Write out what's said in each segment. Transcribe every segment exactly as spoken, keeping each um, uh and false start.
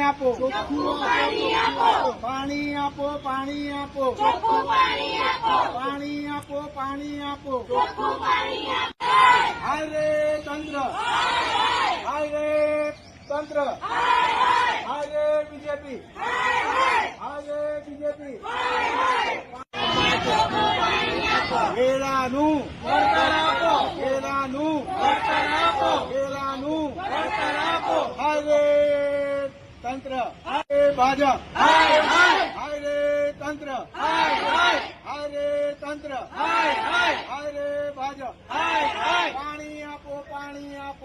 આપો, પાણી આપો, પાણી આપો, પાણી આપો, પાણી આપો. હાય રે તંત્ર, હાય રે તંત્ર, હાય રે બીજેપી, હાય રે બીજેપી. વેરાનું વળતર આપો, વેરાનું વળતર આપો, વેરાનું વળતર આપો. હાય રે તંત્ર, હાય રે ભાજપ, હાય હાય, હાય રે તંત્ર, હાય હાય, હાય રે તંત્ર, હાય હાય, હાય રે ભાજપ, હાય હાય. પાણી આપો, પાણી આપો.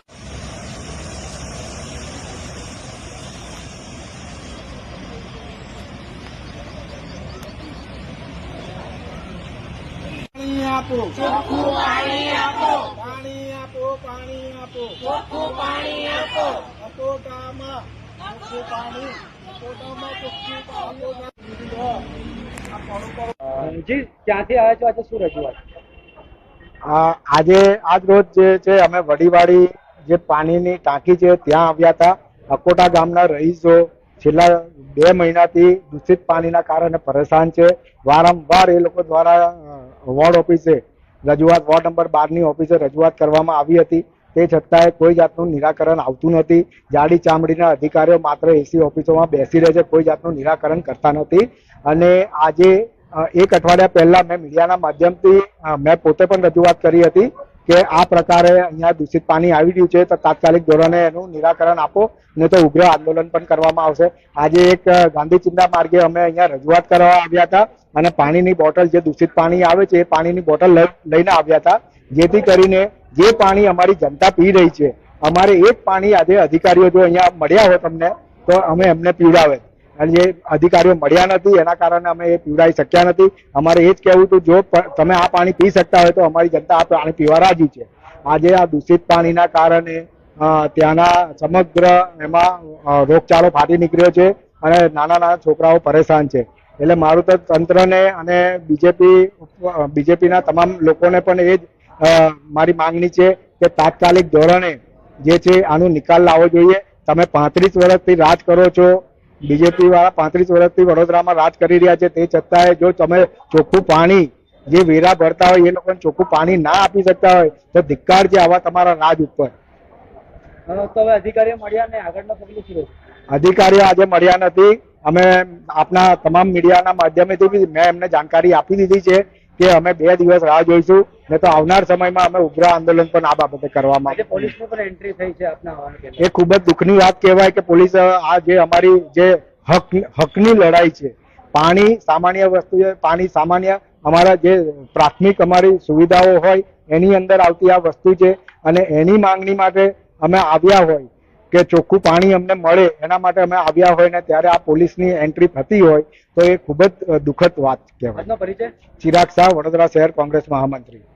પાણી આપો, ચોખ્ખું પાણી આપો, પાણી આપો, પાણી આપો, ચોખ્ખું પાણી આપો. અકોટામાં ચોખ્ખું પાણી, અકોટામાં ચોખ્ખું પાણી. જી ક્યાંથી આવ્યા છો, આજે શું રજૂઆત? આજે આજ રોજ જે છે અમે વડીવાડી જે પાણીની ટાંકી છે ત્યાં આવ્યા હતા. અકોટા ગામના રહીશો છેલ્લા બે મહિનાથી દૂષિત પાણીના કારણે પરેશાન છે. વારંવાર એ લોકો દ્વારા વોર્ડ ઓફિસે રજૂઆત, વોર્ડ નંબર બાર ની ઓફિસે રજૂઆત કરવામાં આવી હતી. તે છતાંય કોઈ જાતનું નિરાકરણ આવતું નથી. જાડી ચામડીના અધિકારીઓ માત્ર એસી ઓફિસોમાં બેસી રહે છે, કોઈ જાતનું નિરાકરણ કરતા નથી. અને આજે એક અઠવાડિયા પહેલા મેં મીડિયાના માધ્યમથી મેં પોતે પણ રજૂઆત કરી હતી કે આ પ્રકારે અહીંયા દૂષિત પાણી આવી રહ્યું છે તો તાત્કાલિક ધોરણે એનું નિરાકરણ આપો, ને તો ઉગ્ર આંદોલન પણ કરવામાં આવશે. આજે એક ગાંધી ચિંતા માર્ગે અમે અહીંયા રજૂઆત કરવા આવ્યા હતા અને પાણીની બોટલ, જે દૂષિત પાણી આવે છે એ પાણીની બોટલ લઈને આવ્યા હતા, જેથી કરીને જે પાણી અમારી જનતા પી રહી છે, અમારે એ જ પાણી આજે અધિકારીઓ જો અહીંયા મળ્યા હોય તમને તો અમે એમને પીવડાવે. અને જે અધિકારીઓ મળ્યા નથી એના કારણે અમે એ પીવડાવી શક્યા નથી. અમારે એ જ કહેવું હતું, જો તમે આ પાણી પી શકતા હોય તો અમારી જનતા આ પાણી પીવા રાજી છે. આજે આ દૂષિત પાણીના કારણે ત્યાંના સમગ્ર એમાં રોગચાળો ફાટી નીકળ્યો છે અને નાના નાના છોકરાઓ પરેશાન છે. એટલે મારું તો તંત્રને અને બીજેપી બીજેપીના તમામ લોકોને પણ એ જ મારી માંગણી છે કે તાત્કાલિક ધોરણે જે છે આનો નિકાલ લાવવો જોઈએ. તમે પાંત્રીસ વર્ષથી રાજ કરો છો, બીજેપી વાળા પાંત્રીસ વર્ષથી વડોદરામાં રાજ કરી રહ્યા છે, તે છતાંય જો તમે ચોખ્ખું પાણી જે વેરા ભરતા હોય એ લોકોને ચોખ્ખું પાણી ના આપી શકતા હોય તો ધિક્કાર છે આવા તમારા રાજ ઉપર. તો હવે અધિકારીઓ મળ્યા ને આગળના પગલું શું? અધિકારીઓ આજે મળ્યા નથી. અમે આપના તમામ મીડિયાના માધ્યમેથી બી મેં એમને જાણકારી આપી દીધી છે કે અમે બે દિવસ રાહ જોઈશું, ને તો આવનાર સમયમાં અમે ઉગ્ર આંદોલન પણ આ બાબતે કરવામાં. પોલીસની પણ એન્ટ્રી થઈ છે આપના આવવાને? એ ખૂબ જ દુઃખની વાત કહેવાય કે પોલીસ આ જે અમારી જે હક હકની લડાઈ છે, પાણી સામાન્ય વસ્તુ છે, પાણી સામાન્ય અમારા જે પ્રાથમિક અમારી સુવિધાઓ હોય એની અંદર આવતી આ વસ્તુ છે અને એની માંગણી માટે અમે આવ્યા હોય કે ચોખ્ખું પાણી અમને મળે એના માટે અમે આવ્યા હોય ને ત્યારે આ પોલીસની એન્ટ્રી થતી હોય તો એ ખૂબ જ દુઃખદ વાત કહેવાય. પરિચય? ચિરાગ શાહ, વડોદરા શહેર કોંગ્રેસ મહામંત્રી.